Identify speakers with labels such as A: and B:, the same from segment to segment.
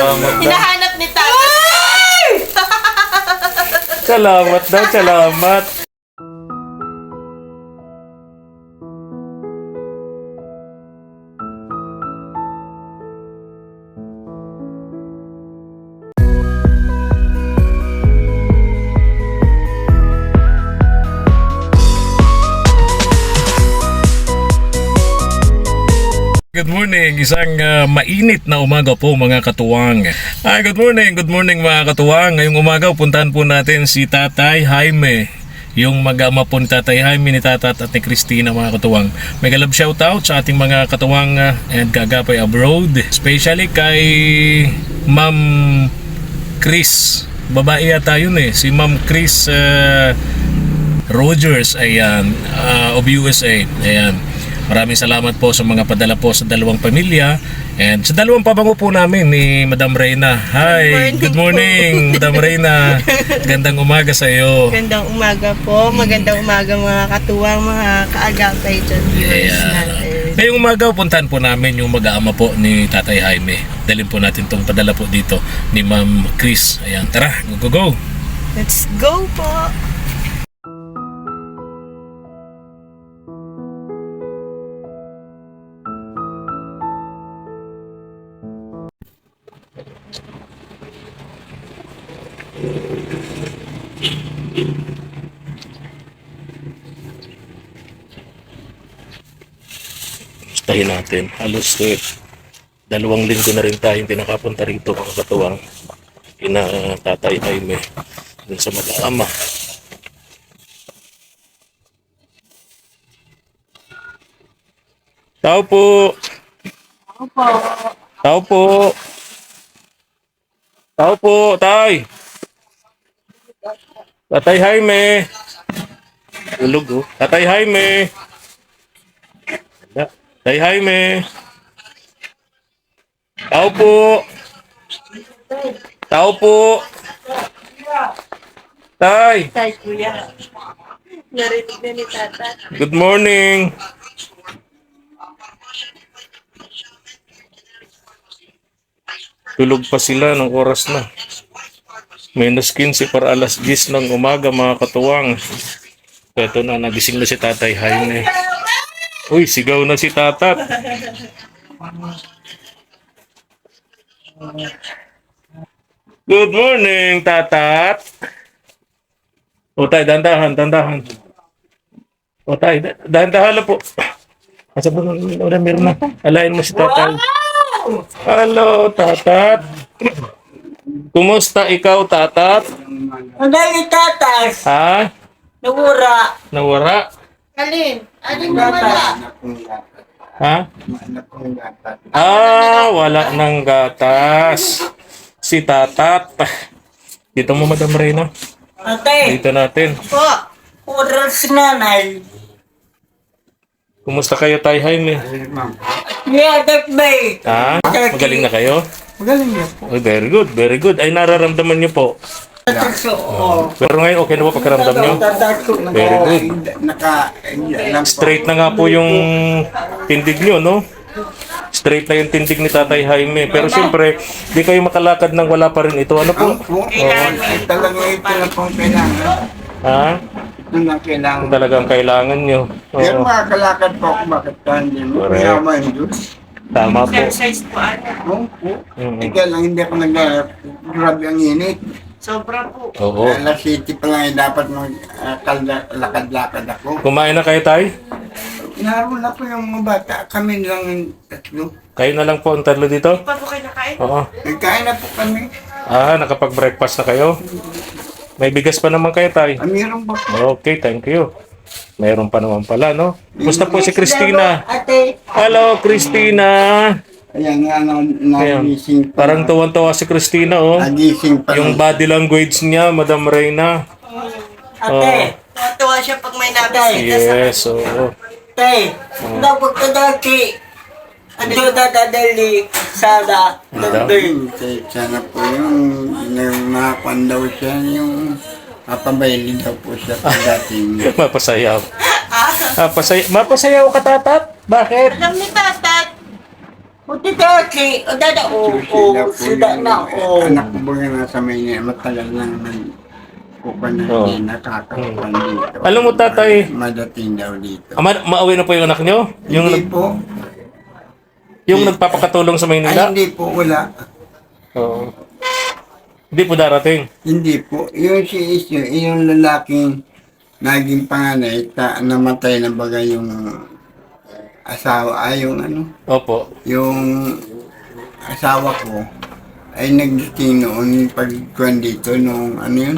A: Salamat daw.
B: Hinahanap ni Tata.
A: Salamat daw, salamat. Good morning, isang mainit na umaga po mga katuwang. Good morning mga katuwang. Ngayong umaga puntahan po natin si Tatay Jaime, yung mag-ama po ni Tatay Jaime, ni Tatat at ni Christina mga katuwang. Mega love shoutout sa ating mga katuwang and kagapay abroad, especially kay Ma'am Chris. Babae yata yun si Ma'am Chris Rogers, ayan, of USA, ayan. Maraming salamat po sa mga padala po sa dalawang pamilya and sa dalawang pabango po namin ni Madam Reyna. Hi, good morning Madam Reyna. Gandang umaga sa iyo.
B: Magandang umaga po. Magandang umaga mga katuwang, mga kaagapay dyan.
A: Ngayong umaga puntahan po namin yung mag-aama po ni Tatay Jaime. Dalhin po natin itong padala po dito ni Ma'am Chris. Ayan, tara, go.
B: Let's go po.
A: Tahin natin. Halos 2 linggo na rin tayong pinakapunta rito mga katuwang ina Tatay Jaime dun sa mag-aama. Tao po. Tao po. Tao po, Tay. Tatay Jaime. Ulog Tatay Jaime. Tay Jaime. Tao po. Tao po. Tay.
B: Tay, kuya. Narinig na ni Tata.
A: Good morning. Tulog pa sila ng oras na. Minus 15 para alas 10 ng umaga mga katuwang. Ito na, nagising na si Tatay Jaime. Uy, sigaw na si Tatat. Good morning, Tatat. O tay, dandahan. O tay, dandahan lang po. Asa ba meron na? Alayin mo si Tatay. Hello, Tatat. Kumusta ikaw, Tatat?
B: Ang dahil tatas.
A: Ha?
B: Nawura.
A: Nawara?
B: Alin mo wala?
A: Ha? Wala ng gatas. Si Tatat. Dito mo, Madam Reyna.
B: Ate.
A: Dito natin.
B: Po. Oras nanay.
A: Kumusta kayo, Tay Jaime?
B: Yadak bay.
A: Ha? Magaling na kayo?
B: Magaling niya po.
A: Oh, very good. Ay, nararamdaman niyo po. Pero ngayon, okay na po pagkaramdam niyo? Very good. Straight na nga po yung tindig niyo, no? Straight na yung tindig ni Tatay Jaime. Pero siyempre, di kayo makalakad nang wala pa rin ito. Ano po?
C: Talagang ito lang pong kailangan.
A: Ha?
C: Ito lang kailangan.
A: Talagang kailangan nyo.
C: Pero makakalakad po ako, bakit ka hindi mo?
A: Correct.
C: Mayaman yung Diyos.
A: Tama po.
B: Exercise po ano.
C: Oo. Ika lang, hindi ako grabe ang init.
B: Sobra po.
A: Oo.
C: Alas 7 pa lang dapat lakad-lakad ako.
A: Kumain na kayo, Tay?
C: Naroon na po yung mga bata. Kami lang tatlo.
A: Kayo na lang po ang tatlo dito?
B: Pa po kayo nakain?
A: Oo.
C: Nagkain na po kami.
A: Nakapag-breakfast na kayo? May bigas pa naman kayo, Tay?
C: Meron ba po?
A: Okay, thank you. Mayroon pa naman pala, no? Gusto po si Christina.
B: Ate.
A: Hello, Christina.
C: Ayan nga,
A: Ayan.
C: nagising pa.
A: Parang tuwan-tuwa si Christina, oh.
C: Nagising pa.
A: Yung body language niya, Madam Reyna.
B: Ate. Tuwa siya pag may nabisita sa
A: Yes, oo.
B: Tay, dapat ka dati. Ano dadadali sana
A: Ano?
C: Sana po yung nakakuan daw siya, yung papabayli daw po siya pagdating.
A: Mapasayaw. Mapasayaw ka, Tatat? Bakit?
B: Alam ni Tatat. Utitaki, o dada, o, suda na, o.
C: Anak ko ba nga nasa Maynila, matagal lang kukuha na
A: Oo.
C: hindi nakakakuha dito.
A: Alam mo, tatay,
C: Madating daw dito.
A: Mauwi na po yung anak nyo?
C: Hindi po.
A: Yung nagpapakatulong sa
C: Ay,
A: Maynila?
C: hindi po, wala.
A: Oo. Hindi po darating.
C: Hindi po. Yung si Isyo, yung lalaking naging panganay, namatay na baga yung asawa, yung ano,
A: Opo.
C: yung asawa ko, ay nagdating noon pagkuhan dito, nung ano yun,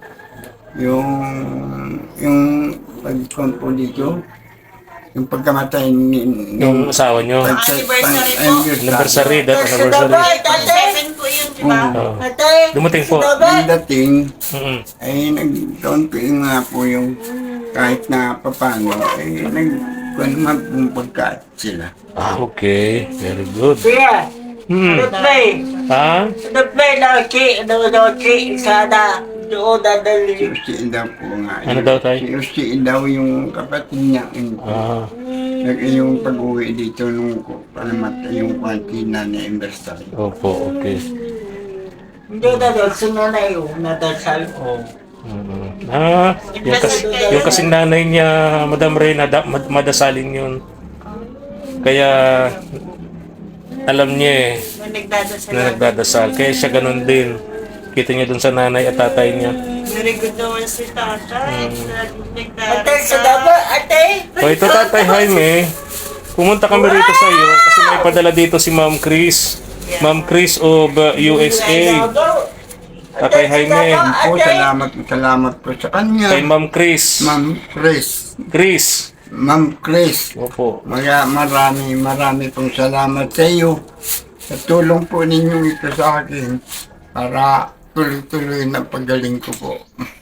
C: yung pagkuhan po dito, yung pagkamatay ni,
A: Yung asawa nyo. Anniversary, that anniversary.
B: Seven po yun, di ba?
A: Oo.
B: Ate,
A: Dumating po.
C: Yung dating,
A: Mm-mm.
C: ay nagkaon ko yung nga po yung kahit na papano, ay nagkuhan naman pong pagkaat sila.
A: Ah, okay. Very good.
B: Kuya,
A: Hmm.
B: play.
A: Ha?
B: Play na, sana doon
C: Si
B: dadali.
C: Usi daw po nga.
A: Ano daw, tay?
C: Si Usi daw yung kapatid niya.
A: Ah.
C: Yung pag-uwi dito nung palamat yung kantina ni Embersal.
A: Opo, okay.
B: Hindi dadal, sunod na yun, nadasal ko.
A: Mm-mm. Ah, yung kasing nanay niya, Madam Reyna, madasalin yun. Kaya, alam niya
B: Nung nagdadasal.
A: na nagdadasal. Kaya siya ganun din. Kita niya dun sa nanay at tatay niya.
B: Very good naman si tatay. Ate, sa daba, ate.
A: O ito, Tatay Jaime, pumunta kami rito sa iyo kasi may padala dito si Ma'am Chris. Ma'am Chris of USA. Tatay Jaime.
C: Po, salamat po sa kanya.
A: Kay Ma'am Chris.
C: Ma'am Chris.
A: Chris.
C: Ma'am Chris.
A: Opo.
C: Marami pong salamat sa iyo. Sa tulong po ninyo ito sa akin para tuloy-tuloy na pagaling ko po.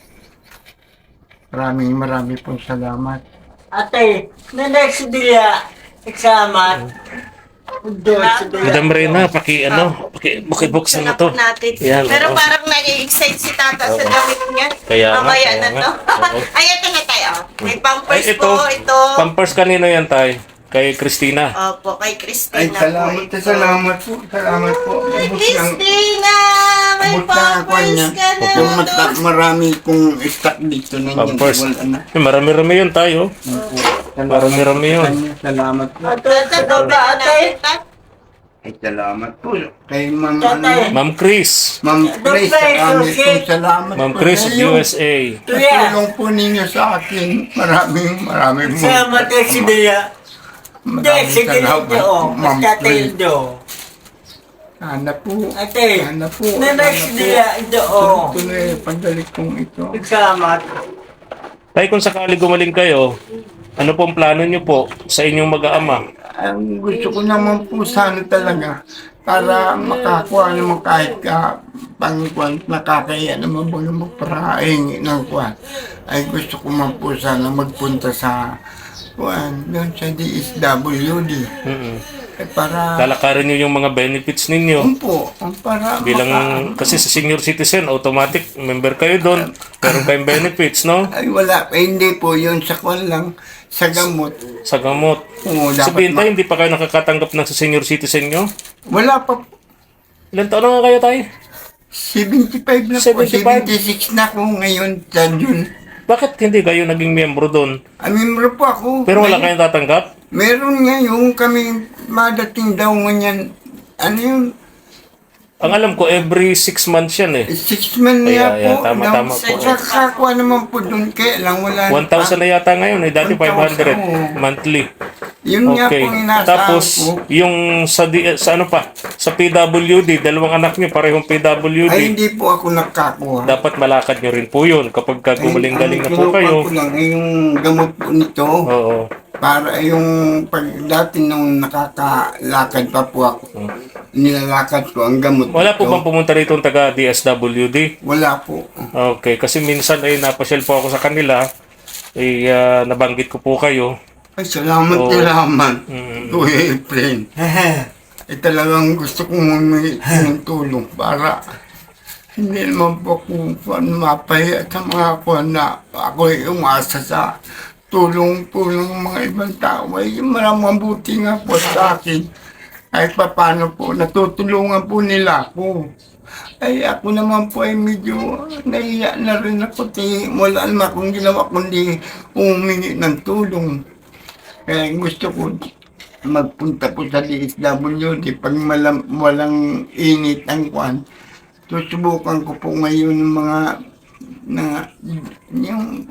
C: Marami pong salamat.
B: Ate, nanay si Dila, eksamat.
A: Madam Reyna, bukibuksan na to.
B: Natin.
A: Yan,
B: Pero
A: oo.
B: parang nag-excite si tata sa damit niya.
A: Kaya nga,
B: Mamaya
A: kaya
B: na
A: nga.
B: to.
A: Oo.
B: Ay, ito na tayo. May pampers
A: Ay,
B: po, ito.
A: Pampers kanino yan, Tay? Kay Christina.
B: Opo, kay Christina
C: Ay,
B: po
C: salamat
B: ito.
C: Salamat po. Salamat po.
B: Kay
C: Abot ng-
B: Christina! May
C: abot na ako
B: pampers
C: niya.
B: ka na
C: Yung
B: doon.
C: marami kong stock dito na yan.
A: Pampers.
C: Wala na.
A: Marami-rami yun tayo. Marami-rami yun.
C: Salamat po.
B: Ito, sa baba, ate.
C: Ay, salamat po. Kay Ma'am,
B: Tatay.
A: Ma'am Chris.
C: Ma'am Chris, marami pong salamat
A: Ma'am
C: po
A: Chris
C: sa
A: of
C: iyo.
A: USA.
C: Sa tulong po ninyo sa akin. Maraming
B: Salamat kay si Dila. Hindi, si Dila
C: salamat
B: ito.
C: po, Ma'am
B: Basta tayo
C: Chris.
B: doon.
C: Sana po.
B: Ate,
C: Sana po.
B: nanay si Dila ito.
C: Tuloy, pagdalik kong ito.
B: Salamat.
A: Tay, kung sakali gumaling kayo, ano pong plano niyo po sa inyong mag-aama?
C: Ang gusto ko naman po sana talaga para makakuha naman kahit pangkuhan, nakakaya naman po yung magparaing ng kuhan. Ay gusto ko man po sana magpunta sa kuhan, doon sa DSWD.
A: Mm-mm.
C: Para,
A: Lalakarin niyo yung mga benefits ninyo.
C: po, para
A: Bilang, kasi sa senior citizen, automatic member kayo doon. Meron kayong benefits, no?
C: ay wala, hindi po yun sa kuhan lang, sa gamot.
A: Sa gamot.
C: Oo,
A: Sabihin
C: dapat
A: tayo, hindi pa kayo nakakatanggap ng sa senior citizen nyo?
C: wala pa po.
A: Ilan taon na nga kayo tayo?
C: 75 na po,
A: 75?
C: 76 na ako ngayon sa June.
A: Bakit hindi kayo naging miyembro doon?
C: Miyembro po ako.
A: Pero wala kayong tatanggap?
C: Meron nga yung kami madating daw nganyan. Ano yun?
A: Ang alam ko, every 6 months yan eh.
C: 6 man
A: Ay,
C: niya
A: ay,
C: po.
A: tama,
C: daw.
A: tama po.
C: Kakakuha naman po doon. Kaya lang wala.
A: 1,000 na yata ngayon eh. Dati 500
C: 1,000,
A: monthly.
C: Yun nga
A: Okay.
C: po inaasahan
A: Tapos,
C: ko.
A: yung sa ano pa, sa PWD, dalawang anak niyo, parehong PWD.
C: Ay hindi po ako nakakuha.
A: Dapat malakad nyo rin po yun kapag gumaling-galing na po
C: Ang
A: kayo.
C: kinuha ko lang ay yung gamot po nito.
A: Oo.
C: Para yung pag dati nung nakakalakad pa po ako. Nilalakad ko ang gamot
A: Wala po
C: nito.
A: bang pumunta rito ang taga DSWD?
C: Wala po.
A: Okay, kasi minsan ay napasyal po ako sa kanila. Nabanggit ko po kayo.
C: Ay, salamat,
A: Oo.
C: salamat.
A: Mm.
C: Kuya Efren. Talagang gusto kong humingi ng tulong para hindi naman po kung mapahiya sa mga kuwan na ako ay umasa sa tulong po ng mga ibang tao. Ay mabuti nga po sa akin. Ay paano po, natutulungan po nila ako. Ay ako naman po ay medyo nahiya na rin ako. Wala naman akong ginawa kundi humingi ng tulong. Kaya gusto ko magpunta po sa DSWD pag walang init ang kwan. Susubukan ko po ngayon ng mga yung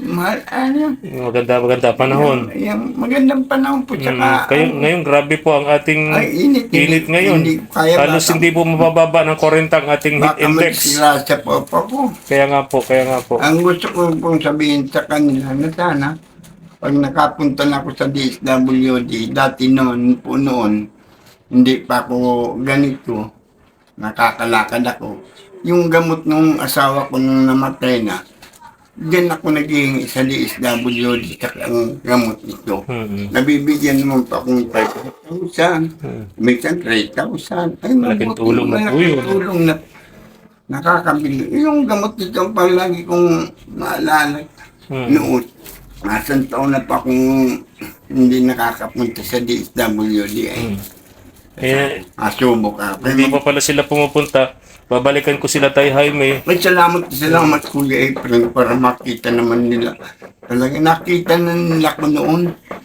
A: Maganda panahon.
C: yung magandang panahon po tsaka
A: Ngayon, grabe po ang ating
C: ay, init
A: ngayon.
C: Hindi, kaya
A: Halos hindi po mabababa ng 40 ang ating heat
C: baka
A: index.
C: magsirasa po ako.
A: Kaya nga po.
C: Ang gusto ko pong sabihin sa kanila na sana pag nakapunta na ako sa DSWD, dati noon, hindi pa ako ganito, nakakalakad ako. Yung gamot ng asawa ko nung namatay na, diyan ako naging sa DSWD sa ang gamot nito. Nabibigyan naman pa akong 5,000, minsan 3,000. Ay,
A: Malaking tulong na po yun.
C: tulong na nakakabili. Yung gamot nito ang palagi kong maalala noon. Nasang taon na pa akong hindi nakakapunta sa DSWD
A: Eh,
C: asubok ako.
A: hindi pa pala sila pumupunta. Babalikan ko sila Tay Jaime.
C: May salamat Kuya April para makita naman nila. Talaga nakita na nila ko noon.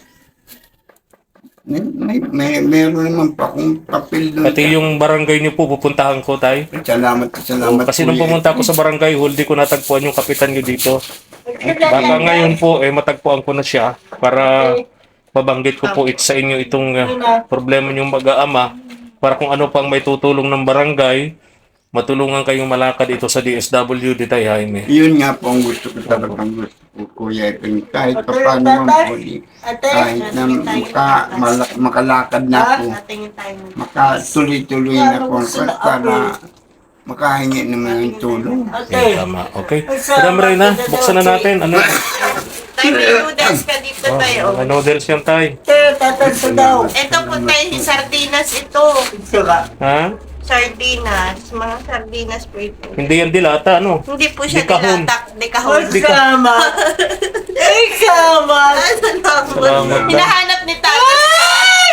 C: Meron naman pa akong papel doon.
A: Pati yung barangay niyo po, pupuntahan ko, Tay.
C: Salamat
A: Kasi nung
C: Kuya
A: pumunta ako sa barangay hall, di ko natagpuan yung kapitan niyo dito. Baka ngayon po, matagpuan ko na siya para mabanggit ko po sa inyo itong problema niyong mag-aama para kung ano pang may tutulong ng barangay, matulungan kayong malakad ito sa DSWD, Tay Jaime.
C: Yun nga po ang gusto ko talagang gusto ko, Kuya April. Kahit pa paano man po, kahit na makalakad na ako, makatuloy-tuloy na po para makahingi naman yung tulong.
A: Okay, tama. Okay. Madam Reyna, buksan na natin. Ano?
B: Tay, may noodles ka dito tayo.
A: May noodles yan, Tay.
B: Ito po tayo, sardinas ito.
A: Ha?
B: Sardinas, mga sardinas po ito.
A: Hindi yan dilata, ano?
B: Hindi po siya
A: Dekahon.
B: dekahon.
C: Salamat! Salamat!
A: Salamat daw.
B: Hinahanap ni Tatay.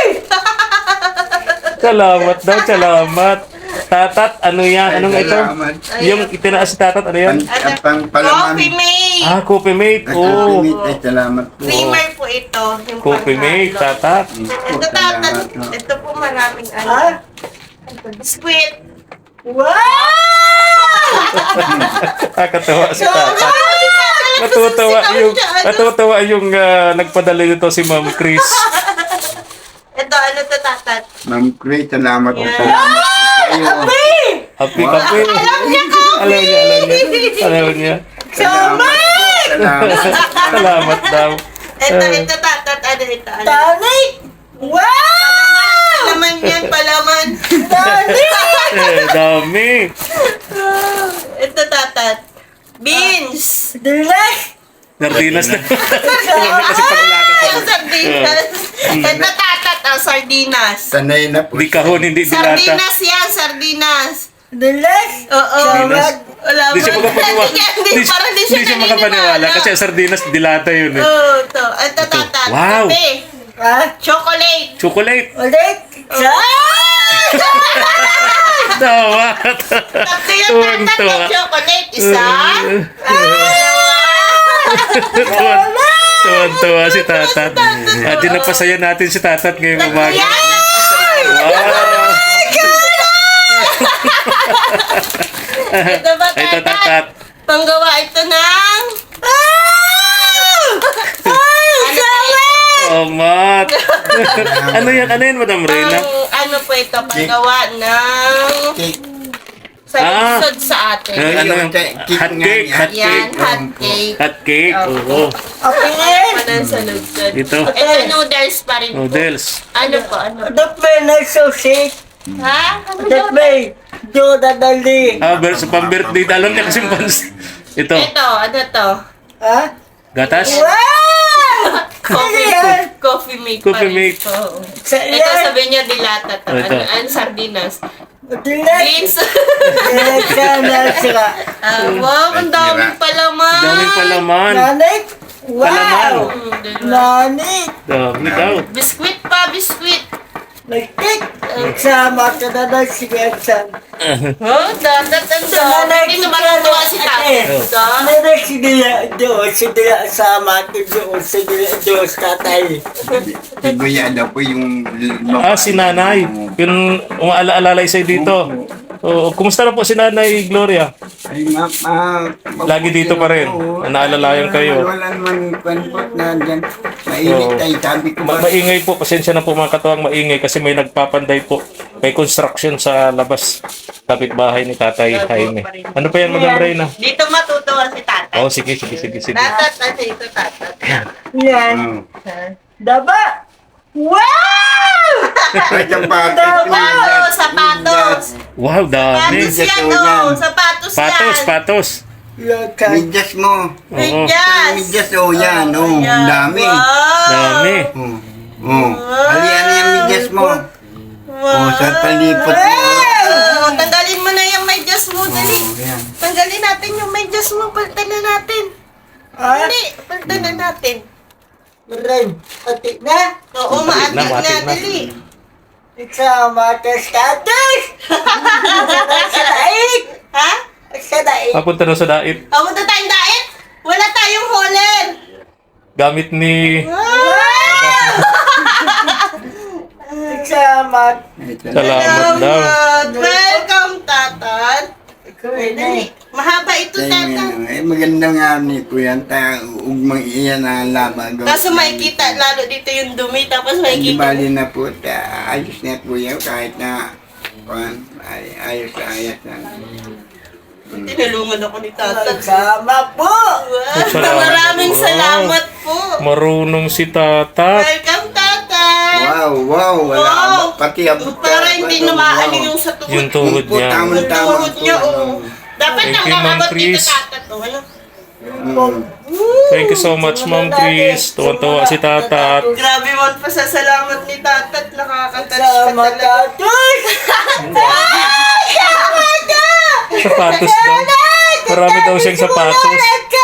A: Salamat daw, salamat. Tatat, ano yan? Anong ito?
C: Salamat.
A: Yung itinaas si Tatat, ano yan?
C: Pang palaman.
B: Coffee mate.
A: Coffee mate. Oh.
C: Ay, salamat po.
B: Creamer po ito. Yung
A: Coffee mate,
B: panghalo.
A: Tatat.
B: Ito Tatat. Ito po maraming ano. Biskuit.
A: Nakakatawa si Tatat. Natutuwa yung nagpadala nito si Ma'am Chris.
B: Ito, ano to Tatat?
C: Ma'am Cray, salamat po.
B: Yeah.
C: Salamat po kayo.
A: Happy kape. Alam niya.
C: Salamat!
A: Salamat daw.
B: Ito Tatat. Ano ito? Ano?
C: Tonic! Wow!
B: Palaman yan, palaman.
A: Dami.
B: Ito Tatat. Beans.
A: Sardinas na. Kasi pagulatan sa
B: Yung sardinas. Ito Tatat, sardinas.
C: Sanay na po.
A: Di kahon, hindi dilata.
B: Sardinas yan, sardinas. Oo.
A: Sardinas?
B: Wala
A: Di siya
B: ba?
A: makapaniwala.
B: Parang di siya
A: Di siya makapaniwala kasi ang sardinas dilata yun eh.
B: Oo, ito. Ito Tatat.
A: Wow.
B: Kape. Chocolate.
A: Chocolate.
B: Oh.
A: Tawa.
B: Tatlo yung Tatat
A: Tuwan-tuwa.
B: ng chocolate. Isa.
A: Tuwan-tuwa si Tatat. At dinapasaya natin si Tatat ngayong umaga. Wow.
B: Ito ba
A: Ito
B: Tatat?
A: Tatat.
B: Panggawa ito ng...
A: Oh, Mat. Ano yan, Madam Reyna?
B: Ano po ito? Panggawa ng...
C: Cake.
B: Sa lisod sa atin.
A: Ano yung hot cake? Hot
B: Yan,
A: cake.
B: hot cake.
A: Hot cake. Oo.
B: Ano sa lisod?
A: Ito.
B: Ito noodles pa rin po.
A: Noodles.
B: Ano po? Ano? Ha? Ano daw?
A: Sa pang-birthday. Alam niya kasi ito.
B: Ito, ano to?
A: Gatas.
B: Coffee mate pa
A: Coffee
B: rin
A: mate.
B: po. Ito sabi niya dilata to.
A: Ito.
B: Ano sardinas? Beans. Wow, ang daming palaman.
A: Daming palaman. Palaman.
B: Diba?
A: Dami daw.
B: Biskuit pa, biskuit.
D: Nagtik! Sama ka na ng sigasan.
B: Oh, tatat ang dami. Hindi naman natuwa si tatay.
D: Nana sinila Diyos, sinila sama ko Diyos, sinila Diyos tatay.
C: Tiguya daw po yung...
A: Si nanay. Yung umaalala sa'yo dito. Oo, kumusta na po si Nanay Gloria?
C: Ay,
A: Lagi dito pa rin. Naalalayan kayo.
C: Wala naman kwanpot na dyan. Mainit ay sabi ko ba?
A: Maingay po, pasensya na po mga katuwang, maingay kasi may nagpapanday po. May construction sa labas. Kapitbahay ni Tatay Jaime. Ano pa yan, Madam Reyna?
B: Dito matutuwa si tatay.
A: Oh, sige.
B: Tatat, kasi ito tatat.
D: Yan. Daba! Wow!
C: Ay, sapatos.
B: Wow, sapatos.
A: Wow, dami.
B: Sapatos yan, oh. Sapatos yan.
A: Patos.
D: Lakas.
C: Midyas mo.
A: Oo,
B: Medyas.
C: Midyas, oh yan, oh.
B: Ayan.
C: Dami.
B: Wow.
A: dami.
C: Oh. Oh. Halian na yung midyas mo. Oh, sa palipot mo.
B: Oh, tanggalin mo na yung medyas mo, dali.
C: Oh, yan.
B: Tanggalin natin yung medyas mo, palitan na natin. Dali, palitan na natin.
D: Maray, pati na.
B: Oo, maatik na,
A: maatik na.
B: dali.
D: Sama ka sa daig. Sa daig.
B: Ha?
D: Sa daig.
A: Papunta na sa dait.
B: Punta tayong diet? Wala tayong holen.
A: Gamit ni...
D: Sama.
A: Salamat daw.
B: Welcome, tatat. Dali. Mahaba ito, tatat.
C: Ay, maganda nga ni Kuya. Ugmang iyan na labag.
B: Kaso makikita lalo dito yung dumi, tapos
C: Hindi
B: makikita.
C: bali na po. Ayos na Kuya. Kahit na ayos na.
B: Tinulungan ako ni tatat.
D: Sama po.
A: Salamat.
B: Maraming salamat po.
A: Marunong si Tatat.
B: Welcome, tatat.
C: Wow. Wala.
B: Wow.
C: Pati abot.
B: Para hindi namaan yung sa tuhod.
A: Yung tuhod niya.
B: Yung tuhod niya, oh. Dapat
A: Thank
B: lang
A: you, Ma'am
B: nakabot dito,
A: Chris.
B: tatat. Oh, ano?
A: Thank you so much, Ma'am Chris. Tuwan-tuwa si Tatat.
B: Grabe man pasasalamat ni tatat. Nakakatouch ka
D: Sama
B: talaga.
D: ka.
A: Sapatos daw. Marami daw siyang sapatos.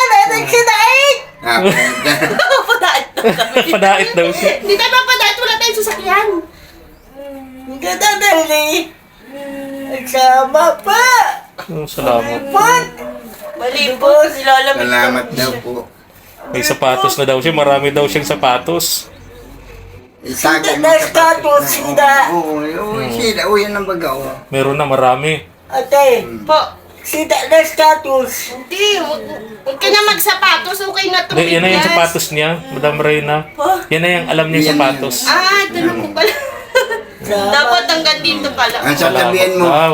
B: Padait na kami.
A: Padait daw siya.
B: Hindi tayo mapadait. Wala tayong sasakyan.
D: Ganda dali. Sama pa.
A: Salamat.
B: Malibos. Nilalamig.
C: Salamat daw po.
A: May sapatos na daw siya. Marami daw siyang sapatos.
C: Isagay mo
D: Sida, status, sida.
C: Oo, sida. Oo, yan ang baga. Oo.
A: Meron na marami.
D: Ate,
B: Po.
D: sida na status.
B: Hindi. Huwag ka na magsapatos. Okay na ito.
A: Yan na yung sapatos niya, Madam Reyna. Yan na yung alam niya yung sapatos.
B: Ito na po pala. Dapat hanggang dito pala.
C: Ang sasabihin mo.
A: Wow.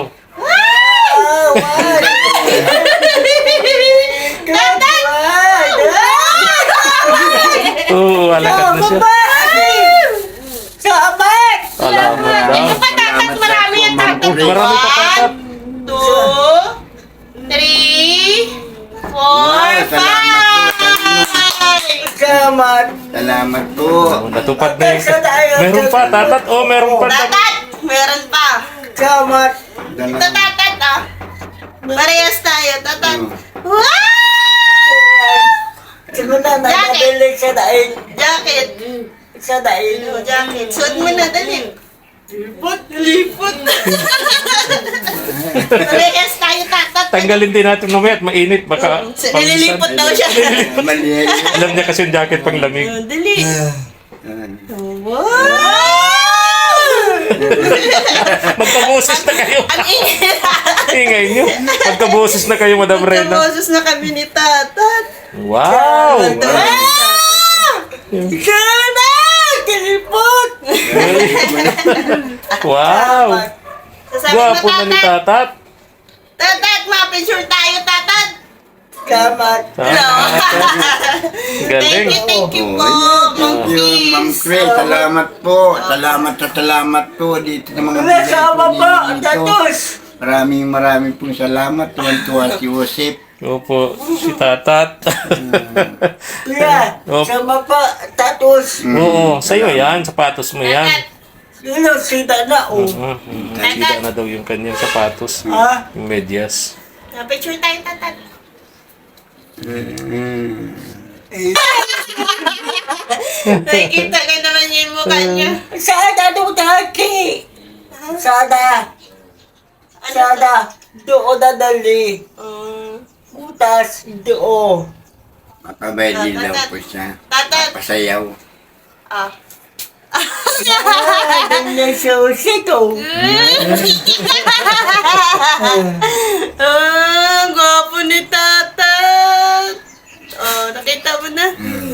B: Tatat!
A: Oo, alakad na siya.
D: Sabat!
A: Salamat daw.
B: Ito pa tatat. Marami ang tatat.
A: Marami pa tatat.
B: 2, 3, 4, 5.
D: Samat!
C: Salamat po.
A: Oh, natupad na yung... Meron pa, Tatat. Oh, meron pa.
B: Tatat! Meron pa.
D: Samat!
B: Ito tatat ah. Parehas tayo, tatat. Wow!
D: Siguro na nabili sa daig.
B: Jacket.
D: Sa daig.
B: Jacket. Suot mo na, dali. Lipot. Parehas tayo, tatat.
A: Tanggalin din natin mamaya at mainit. Baka...
B: Nililipot daw siya.
C: Mali.
A: Alam niya kasi yung jacket pang lamig.
B: Dali. Wow!
A: Magkaboses na kayo.
B: Ang ingay.
A: Ingay niyo. Magkaboses na kayo, Madam Reyna.
B: Kaboses na kami ni tatat.
A: Wow!
D: Sana! Kilipot!
A: Wow!
B: Sasabi mo,
A: Gwapo na ni
B: tatat.
A: Tatat.
B: Tatat, ma-picture tayo, tatat.
D: Samat!
B: Hello.
A: Galing.
B: Thank you po, Ma'am
C: Thank you, Ma'am Chris. Salamat po. Salamat po dito sa mga
D: Wala sama
C: bigay
D: po!
C: po ninyo dito.
D: Tatus!
C: Maraming pong salamat. Tuwan-tuwa si Joseph.
A: Opo, si Tatat.
D: Kuya!
A: Opo.
D: Sama po! Tatus!
A: Oo, sa'yo yan. Sapatos mo yan.
B: Tatat.
D: Sino sida na o?
A: Nakita na daw yung kanyang sapatos.
D: Ha?
A: Yung medyas.
B: Ma-picture tayo, tatat.
D: Eh.
B: Nakikita ka naman yung mukha niya.
D: Sada do dati. Sada. Sada. Doon dadali. Butas. Doon.
C: Makabay daw po siya.
B: Tatat.
C: Pasayaw.
B: Ah.
D: Ganyan siya usito.
B: Gwapo ni Tatat. Oh, nakita mo na?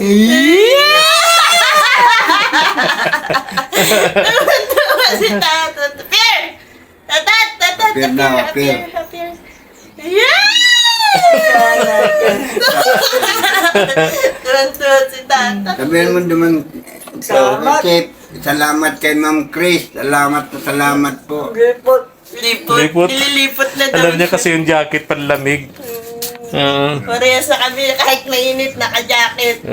B: Tuwa si Tatat. Appear! Tatat! Tatat!
C: Appear na, appear.
B: Appear! Yeah! Tuwan-tuwa si Tatat.
C: Sabihin mo naman,
D: Salamat.
C: Chip, salamat kay Ma'am Chris. Salamat po.
D: Report.
B: Lipot.
A: Lipot.
B: Nililipot na daw.
A: Alam niya kasi yung jacket panlamig.
B: Parehas sa kami kahit mainit, naka-jacket.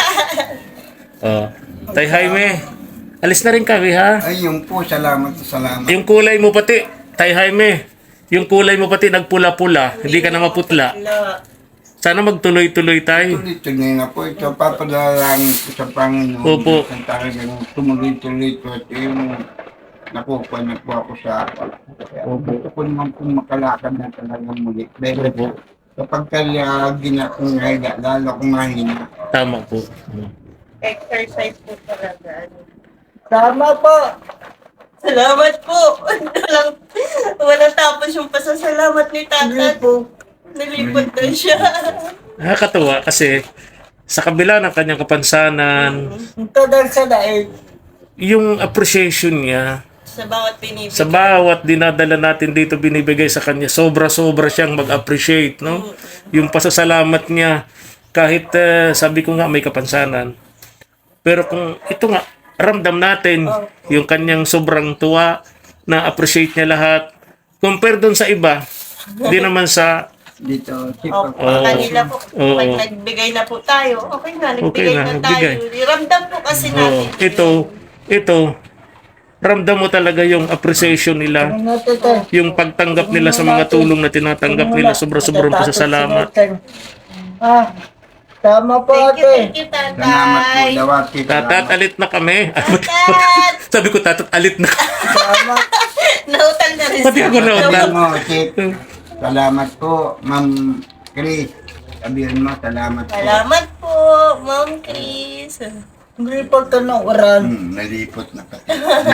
A: Tay Jaime, alis na rin kami ha.
C: Ay, yun po, salamat.
A: Yung kulay mo pati, Tay Jaime, yung kulay mo pati nagpula-pula, hindi ka na maputla.
B: Wala.
A: Sana magtuloy-tuloy tayo.
C: Tuloy-tuloy na po ito. Papadalangin ko sa Panginoon.
A: Opo.
C: Ang talagang tumuloy-tuloy ko. Ito yung nakukuha na po ako sa gusto ko naman po makalakad na talagang muli. Pero po, kapag ginakungayga, lalo akong mahina.
A: Tama po.
B: Exercise po talaga.
D: Tama po.
B: Salamat po. Walang tapos yung pasasalamat ni Tatat. Nalipot na siya.
A: Nakakatuwa kasi sa kabila ng kanyang kapansanan,
D: Ito dahil sa daig.
A: yung appreciation niya
B: Sa bawat pinipig.
A: sa bawat dinadala natin dito binibigay sa kanya, sobra-sobra siyang mag-appreciate, no? Yung pasasalamat niya, kahit sabi ko nga may kapansanan. Pero kung ito nga, ramdam natin yung kanyang sobrang tuwa, na-appreciate niya lahat. Compare doon sa iba, hindi naman sa
C: Dito,
B: Opo, kanila po.
A: Oo.
B: Pag nagbigay na po tayo, okay na,
A: Okay
B: nagbigay
A: na,
B: na
A: nagbigay.
B: tayo. Ramdam po kasi natin.
A: ito, ramdam mo talaga yung appreciation nila,
D: Ano to to?
A: yung pagtanggap nila sa mga tulong na tinatanggap nila, sobra-sobrang pasasalamat.
D: Ah, tama po
B: Thank
D: ate.
B: you,
C: salamat po,
B: Tatay.
C: Dawati.
A: Tatat, alit na kami.
B: Tatat!
A: Sabi ko, tatat, alit na.
D: Tama.
B: Nautang na rin
A: Pati ako nautang.
C: Sabihin mo, Chip, salamat po, Ma'am Chris. Sabihin mo, salamat po.
B: Salamat po, Ma'am Chris.
D: Hindi po ito ng oran.
C: Nalipot na pati.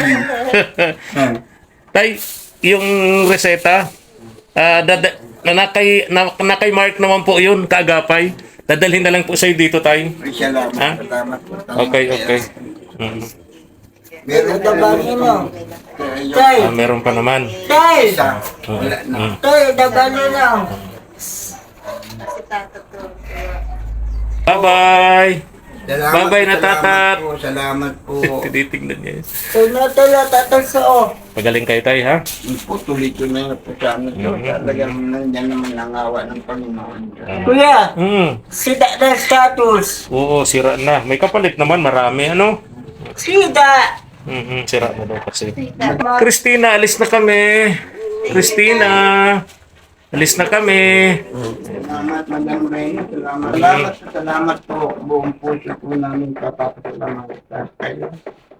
A: Tay, yung reseta, nakay Mark naman po yun, kaagapay. Dadalhin na lang po sa'yo dito, tay.
C: Ay, salamat,
A: Ha?
C: salamat po. Salamat
A: Okay,
C: kayo.
A: okay. Mm.
C: Meron
D: Dabangin mo.
C: Tay.
D: Tay,
A: Meron pa naman.
D: tay,
C: Isa, wala na.
D: tay, dabangin na.
B: Si Tatat to.
A: Bye-bye!
C: Salamat,
A: Bye-bye na, Tatat.
C: Salamat po.
A: Tinitignan niya.
D: Tunatala tatasoo.
A: Pagaling kayo, tay, ha?
C: Po, tuloy-tuloy na po sa amin. Talagang nandyan naman ang awa ng Panginoon.
D: Kuya,
A: Sida
D: sida na status.
A: Oo, sira na. May kapalit naman, marami, ano?
D: Sida.
A: Sira na daw kasi. Christina, alis na kami. Christina, alis na kami.
C: Salamat, Madam Reyna. Salamat po. Buong puso po namin papapasalamat sa kayo.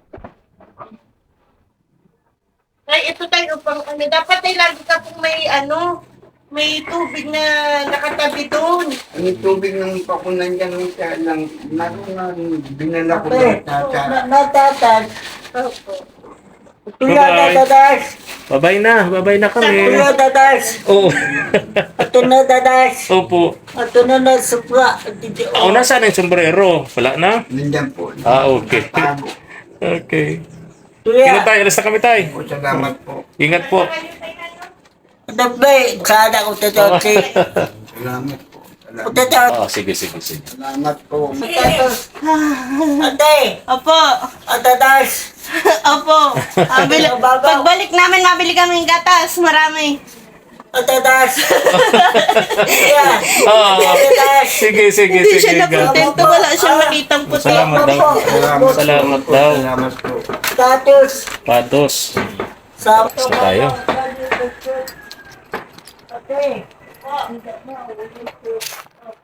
B: Ay, ito tayo upang ano. Dapat ay lagi ka pong may tubig na nakatabi doon.
C: Ang tubig ng pakunan dyan lang, binala ko
D: Ate,
C: sa
D: natatag.
B: Opo.
D: Kuya,
A: Bye-bye.
D: dadadas.
A: Bye-bye na kami.
D: Kuya, dadas.
A: Oo.
D: Ato na dadas.
A: Opo.
D: Ato na na supra.
A: Ako, nasaan yung sombrero? Wala na?
C: Nandyan po.
A: Okay.
C: Tago.
A: Okay. Kino
D: Kuya,
A: tayo, alis na kami tayo.
C: Po, salamat po.
A: Ingat po.
D: dabay. Sana ko tatawag.
C: Salamat po. Salamat,
D: Tatawag.
A: Sige.
C: salamat po.
D: Ate,
B: Opo.
D: atadas.
B: Opo. Pagbalik namin, mabili kami ng gatas. Marami.
D: Atadas. Kuya, atadas.
A: Sige.
B: Hindi siya nakontento. Wala siyang nakitang puti.
A: Salamat daw. Salamat daw.
C: Salamat po.
D: Status.
A: Patos.
D: Sapo.
A: Sa tayo.
D: Ate.